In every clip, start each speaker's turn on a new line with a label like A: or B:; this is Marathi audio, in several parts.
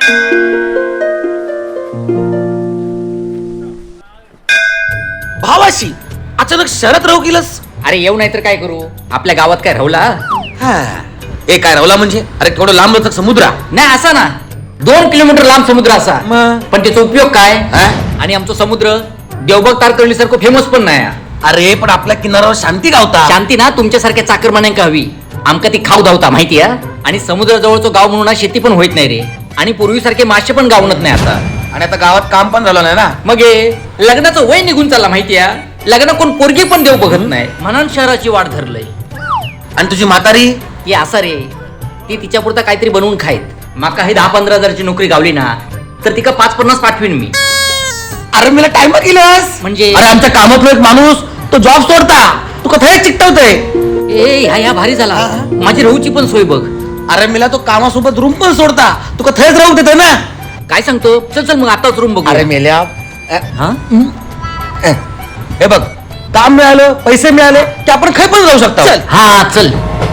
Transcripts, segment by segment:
A: भावाशी अचानक शहरात राहू गेलस?
B: अरे येऊ नाही तर काय करू, आपल्या गावात काय राहुला?
A: ए काय राहुला म्हणजे? अरे केवढं लांब लचक समुद्र
B: नाही असा ना, 2 किलोमीटर लांब समुद्र असा.
A: मग?
B: पण त्याचा उपयोग काय? आणि आमचं समुद्र देवबाग तारकर्ली सारखं फेमस पण नाही.
A: अरे पण आपल्या किनाऱ्यावर शांती गावता.
B: शांती ना तुमच्यासारख्या चाकरमान्यांका हवी. आमका ती खाऊ धावता माहिती आहे. आणि समुद्राजवळचं गाव म्हणून शेती पण होत नाही रे. आणि पूर्वीसारखे मासे पण गावणत नाही आता.
A: आणि आता गावात काम पण झालं नाही ना.
B: मग लग्नाचं वय निघून चालला माहिती आहे. लग्न कोण पोरगी पण देव बघत नाही म्हणून शहराची वाट धरलंय.
A: आणि तुझी म्हातारी?
B: ती असं रे, ती तिच्या पुरता काहीतरी बनवून खायत. माका हे 10-15 हजारची नोकरी गावली ना तर तिका 5-50 पाठवीन मी.
A: अरे मला टाइम केलंस
B: म्हणजे?
A: अरे आमच्या कामातला एक माणूस तो जॉब सोडता तू कथा चिकटवतोय.
B: ह्या भारी झाला. माझी राहूची पण सोय बघ.
A: अरे मला तो कामासोबत रूम पण सोडता तू कथाच राहू देतो ना.
B: काय सांगतो? चल चल मग आताच रूम बघू.
A: अरे मेल्या
B: हा
A: हे बघ, काम मिळालं पैसे मिळाले की आपण खाय पण जाऊ शकतो.
B: हा चल.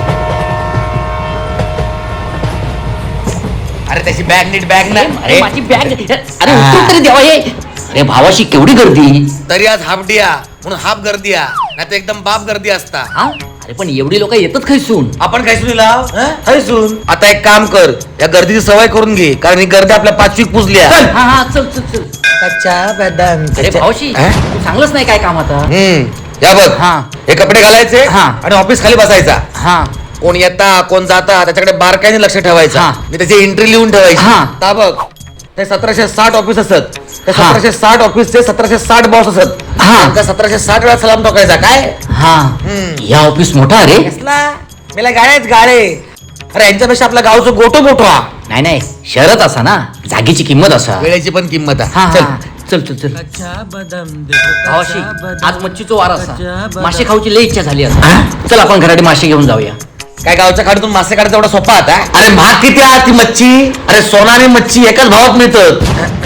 A: अरे त्याची बॅग नीट बॅग ना.
B: अरे माझी बॅग. अरे उतर तरी देवा हे. अरे भावाशी केवढी गर्दी.
A: तरी आज हाफ डे म्हणून हाफ गर्दी नाही तर एकदम बाप गर्दी असता.
B: हा अरे पण एवढी लोक येतात खायसून.
A: आपण खायसून लाव खायसून. आता एक काम कर, या गर्दीची सवय करून घे कारण ही गर्दी आपल्या 5 वीक पुजली.
B: हा चल चल चल.
A: कच्चा बदाम.
B: अरे भावाशी तू चांगलंच नाही काय काम आता.
A: या बघ, हे कपडे घालायचे आणि ऑफिस खाली बसायचा. कोण येता कोण जाता त्याच्याकडे बारकाईने लक्ष ठेवायचं. मी त्याची एंट्री लिहून ठेवायची. ता बघ, ते 1760 ऑफिस असत. ते 1760 ऑफिसचे 1760 बॉस असत. 1760 वेळा सलाम ठोकायचा. काय
B: या ऑफिस मोठा रे.
A: मला गाळेच गाळे. अरे यांच्यापेक्षा आपल्या गावचं गोटो मोठो
B: नाही नाही, शहरात असा ना, जागेची किंमत असा,
A: वेळेची पण किंमत
B: चल चल चल. भावाशी आज मच्छीचो वार असा, मासे खाऊची लई इच्छा झाली असा. चल आपण घराडे मासे घेऊन जाऊया.
A: काय गावच्या खाडीतून मासे काढायचा एवढा सोपा आता? अरे महाग किती आहे ती मच्छी? अरे सोना आणि मच्छी एकाच भावात मिळतात.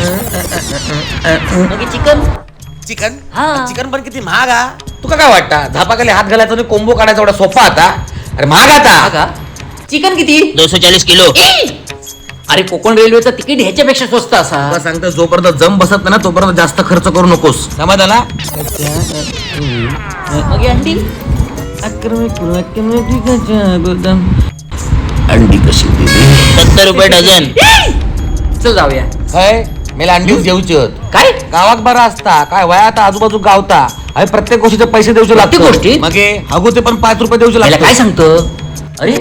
B: चिकन
A: चिकन चिकन पण किती महाग आ. तुका काय वाटतं झापाखाली हात घालायचा आणि कोंबो काढायचा एवढा सोपा आता? अरे महाग आता.
B: चिकन किती?
C: 240 किलो.
B: अरे कोकण रेल्वेचं तिकीट ह्याच्यापेक्षा स्वस्त असा.
A: सांगतो जोपर्यंत जम बसत नाही ना तोपर्यंत जास्त खर्च करू नकोस. समाधान ना.
B: मग अंडी
A: अंडी कशी
C: 70 रुपये डझन.
B: चल जाऊया.
A: काय मला अंडी जेवची होत.
B: काय
A: गावात बरा असता काय वयात आजूबाजू गावता. अरे प्रत्येक गोष्टीचे पैसे देऊचे लागते.
B: गोष्टी
A: मग हगू ते पण 5 रुपये देऊचे लागते.
B: काय सांगतो? अरे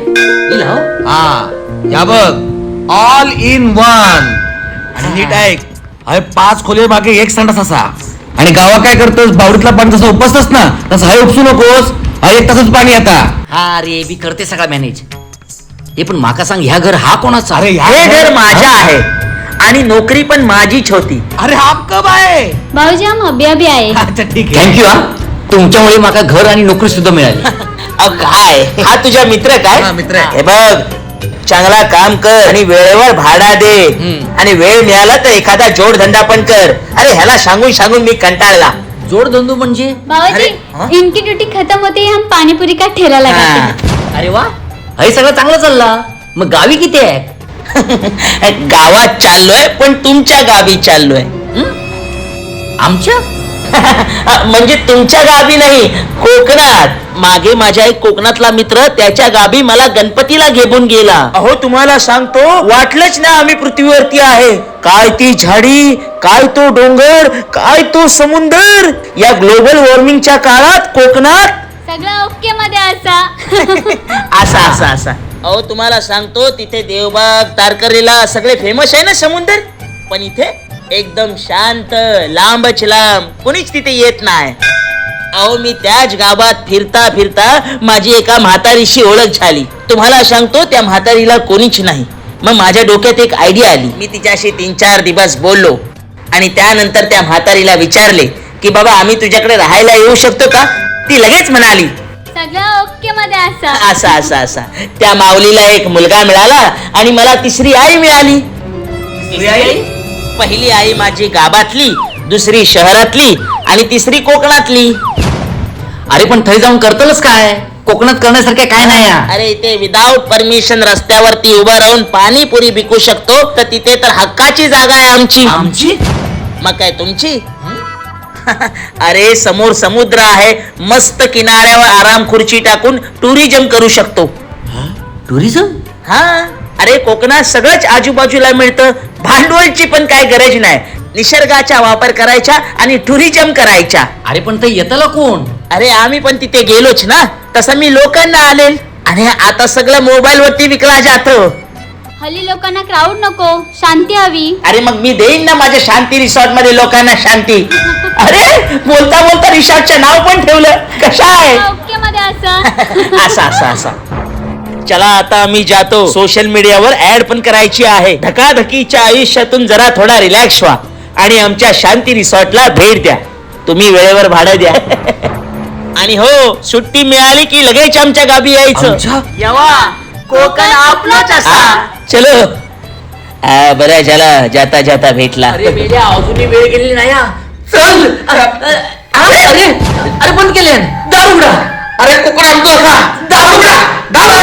A: या बघ, ऑल इन वन. आणि नीट ऐक, अरे 5 खोले मागे 1 संडास असा. आणि गावात काय करतोस, बावडीतला पाणी जसं उपसतस ना तसं हाय उपसू नकोस. 1 तासच पाणी आता.
B: हा रे मी करते सगळा मॅनेज. हे पण माका सांग, ह्या घर हा कोणाचा?
A: अरे
C: हे घर माझ्या आहे आणि नोकरी पण माझीच होती.
A: अरे आप कब आहे?
D: भाऊजी हम अभी अभी आए.
A: अच्छा ठीक आहे.
B: थँक्यू. तुमच्यामुळे माका घर आणि नोकरी सुद्धा मिळाली.
C: अहो काय, हा तुझा मित्र काय?
A: मित्र आहे.
C: हे बघ, चांगला काम कर आणि वेळेवर भाडा दे. आणि वेळ मिळाला तर एखादा जोडधंदा पण कर. अरे ह्याला सांगून सांगून मी कंटाळला.
B: जोडधंदो म्हणजे?
D: भाऊजी इनकी ड्यूटी खत्म होते ही हम पानीपुरी का ठेला लगाते हैं.
B: अरे वा, हे सगळं चांगलं चालला. मग गावी किती आहे?
C: गावात चाललोय पण तुमच्या गावी चाललोय.
B: आमच्या
C: म्हणजे तुमच्या गावी नाही, कोकणात. मागे माझा एक कोकणातला मित्र त्याच्या गावी मला गणपतीला घेऊन गेला. अहो तुम्हाला सांगतो, वाटलंच ना आम्ही पृथ्वीवरती आहे. काय ती झाडी, काय तो डोंगर, काय तो समुद्र. या ग्लोबल वॉर्मिंगच्या काळात कोकणात
D: सगळं ओके मध्ये असा.
C: असा असा असा. अहो तुम्हाला सांगतो, तिथे देवबाग तारकर्लीला सगळे फेमस आहे ना समुद्र. पण इथे एकदम शांत, लांबच लांब, कोणीच तिथे येत नाही. अहो मी त्याच गावात फिरता फिरता माझी एका म्हातारीशी ओळख झाली. तुम्हाला सांगतो, त्या म्हातारीला कोणीच नाही. मग माझ्या डोक्यात एक आयडिया आली. मी तिच्याशी 3-4 दिवस बोललो आणि त्यानंतर त्या म्हातारीला विचारले की बाबा आम्ही तुझ्याकडे राहायला येऊ शकतो का? ती लगेच म्हणाली
D: सगळं ओके मध्ये असा.
C: असा असा असा. त्या माऊलीला एक मुलगा मिळाला आणि मला 3री आई मिळाली. पहिली आई माझी गावातली, 2री शहरातली आणि 3री कोकणातली.
B: अरे पण थै जाऊन करतलच काय? कोकणात करण्यासारखे काय नाही या.
C: अरे इथे विदाऊट परमिशन रस्त्यावरती उभं राहून पाणीपुरी विकू शकतो, तर तिथे तर हक्काची जागा आहे आमची.
B: आमची
C: मग काय तुमची? अरे समोर समुद्र आहे, मस्त किनाऱ्यावर आराम खुर्ची टाकून टुरिझम करू शकतो.
B: टुरिझम?
C: हा, अरे कोकणात सगळंच आजूबाजूला मिळतं, भांडवलची पण काय गरज नाही. निसर्गाचा वापर करायचा आणि टुरिझम करायचा.
B: अरे पण ते येताला कोण?
C: अरे आम्ही पण तिथे गेलोच ना, तसं मी लोकांना आणेल. आणि आता सगळं मोबाईल वरती विकला जातं.
D: हल्ली लोकांना क्राऊड नको, शांती हवी.
C: अरे मग मी देईन ना माझ्या शांती रिसॉर्ट मध्ये लोकांना शांती. अरे बोलता बोलता रिसॉर्टचं नाव पण ठेवलं. कशा आहे?
D: ओके मध्ये असं.
C: असा असा असा. चला आता आम्ही जातो. सोशल मीडियावर ऍड पण करायची आहे. धकाधकीच्या आयुष्यातून जरा थोडा रिलॅक्स व्हा आणि आमच्या शांती रिसॉर्टला भेट द्या. तुम्ही वेळेवर भाडं द्या. आणि हो, सुट्टी मिळाली की लगेच आमच्या गावी यायचं.
B: आमच्या?
C: यवा कोकण आपलाच असा. चलो. बरं झालं जाता जाता भेटला.
B: अरे मेल्या अजूनही वेळ गेलेली नाही हा. चल. अरे अरे अरे बंद केले दारुगडा.
A: अरे कोकण आमचं का दारुगडा दारू